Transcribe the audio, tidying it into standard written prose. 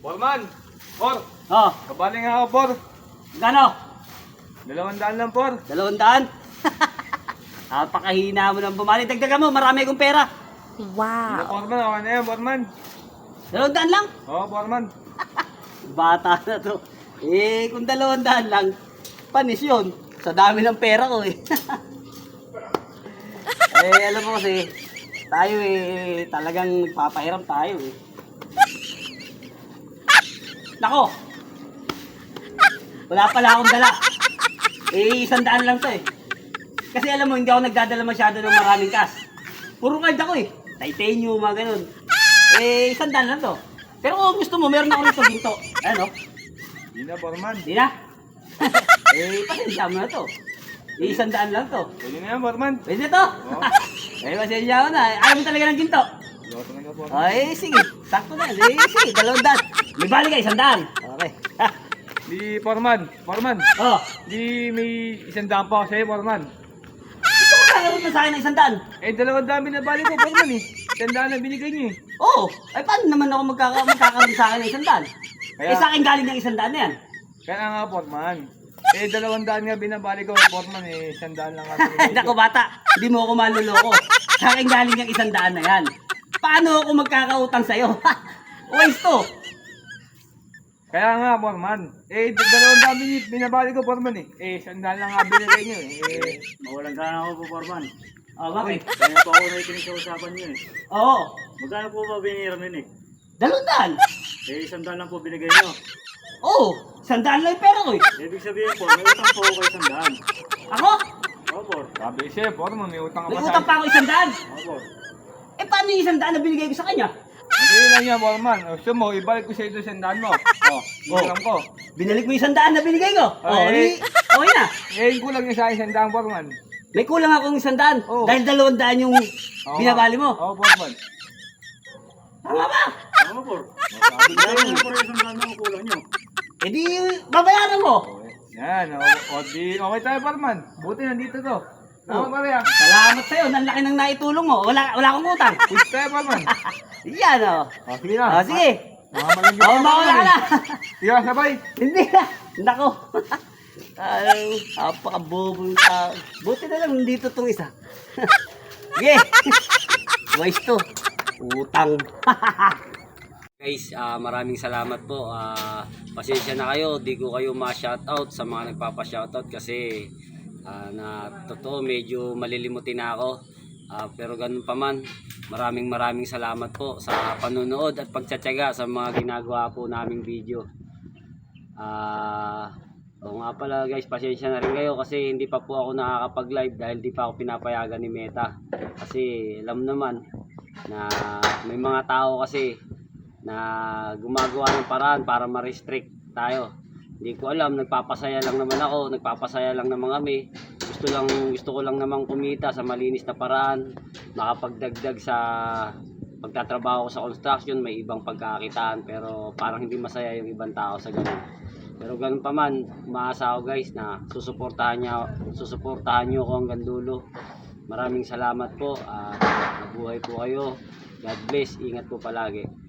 Borman! Por! Oh, Kabali nga ako, Por! gano? 200 lang, Por! 200? Napakahina mo ng bumali. Dagdagan mo, marami akong pera. Hindi, Wow. Borman. Okay na yan, Borman. 200 lang? Oo, Borman. Bata na to. Eh, kung 200 lang, panis yun. Sa dami ng pera ko eh. Eh, alam mo kasi, tayo eh, talagang nagpapahiram tayo eh. Nako! Wala pala akong dala. Eh, 100 lang to eh. Kasi alam mo, hindi ako nagdadala masyado ng maraming cash. Puro card ako eh. Titanium, mga ganun. Eh, 100 lang to. Pero kung gusto mo, meron ako rito ginto. Ano? Hindi na, Borman. Hindi na. Eh, pasensya mo na to. Eh, 100 lang to. Pwede na yan, Borman. Pwede to. Oo. Eh, pasensya mo na. Ayaw mo talaga ng ginto. Loko talaga, Borman. Ay, sige. Sakto na. Eh, sige. 200. May balik ka, 100. Okay. Di, Borman. Borman. Oh. Di, may 100 pa ako sa'yo, Borman. Gusto mo kakaroon na sa akin ng 100? Eh, 200 na bali ko, Borman eh. 100 na binigay niyo eh. Oo. Ay, paano naman ako magkakaroon sa akin ng 100? Eh, sa akin galing ng 100 na yan. Kaya nga, Borman. Eh, 200 nga binabali ko, Borman eh. 100 lang nga binigay ko. Nako bata, hindi mo ako manloloko. Sa akin galing yung 100 na yan. Paano ako magkakautang sa'yo? Waste to. Kaya nga, Borman. Eh, 200 binabali ko, Borman eh. Eh, 100 lang nga binigay niyo eh. Eh, Mawalang gana ako po, Forman. Oh, bakit? Kaya po ako nakikinig sa usapan niyo eh. Oo. Magkano po ba binira nun eh? 200. Eh, 100 lang po binigay niyo. Oo. 100 lang yung pera ko eh. Ibig sabihin po, may utang po ako kay 100. Ako? Opo. sabi siya, Borman, may utang ka May pa utang pa ako 100. Opo. Eh, paano yung 100 na binigay ko sa kanya? Hindi lang yan, Borman. O, gusto mo, ibalik ko sa ito 100 mo. O, kulang ko. Binalik mo yung 100 na binigay ko. Oh, Ay. okay na. Eh, kulang niya sa akin 100, Borman. May kulang akong 100. Oo. Dahil 200 yung Oo, binabali mo. Oo, Borman. Tama ba? Tama po. Sabi niya Kaya yun. po rin 100 na kulang niyo. Eh di, babayaran mo. Yan, o di, okay tayo, Borman. Buti nandito to. Tama pa rin. Salamat sa'yo. Ang laki ng naitulong mo. Wala akong utang. Push tayo, Borman. Yan o. O, sige na. Oh, sige. Mamalang Oh, mawala ka na. Sige na, sabay. Hindi na. Nako. Ay, napakabobo yung tao. Buti na lang dito itong isa. Sige. Wise to. Utang. Guys, maraming salamat po. Pasensya na kayo, di ko kayo ma-shoutout sa mga nagpapa-shoutout kasi na totoo medyo malilimutin na ako. Pero ganun pa man, maraming salamat po sa panonood at pagtsatsaga sa mga ginagawa po naming video. Oo nga pala guys, pasensya na rin kayo kasi hindi pa po ako nakakapag-live dahil di pa ako pinapayagan ni Meta. Kasi alam naman na may mga tao kasi na gumagawa ng paraan para ma-restrict tayo. Hindi ko alam, nagpapasaya lang naman ako, nagpapasaya lang naman kami. Gusto ko lang naman kumita sa malinis na paraan, makapagdagdag sa pagtatrabaho ko sa construction, may ibang pagkakitaan pero parang hindi masaya yung ibang tao sa ganun. Pero ganun pa man, umaasa ako guys na susuportahan nyo ako hanggang dulo. Maraming salamat po, mabuhay po kayo. God bless, ingat po palagi.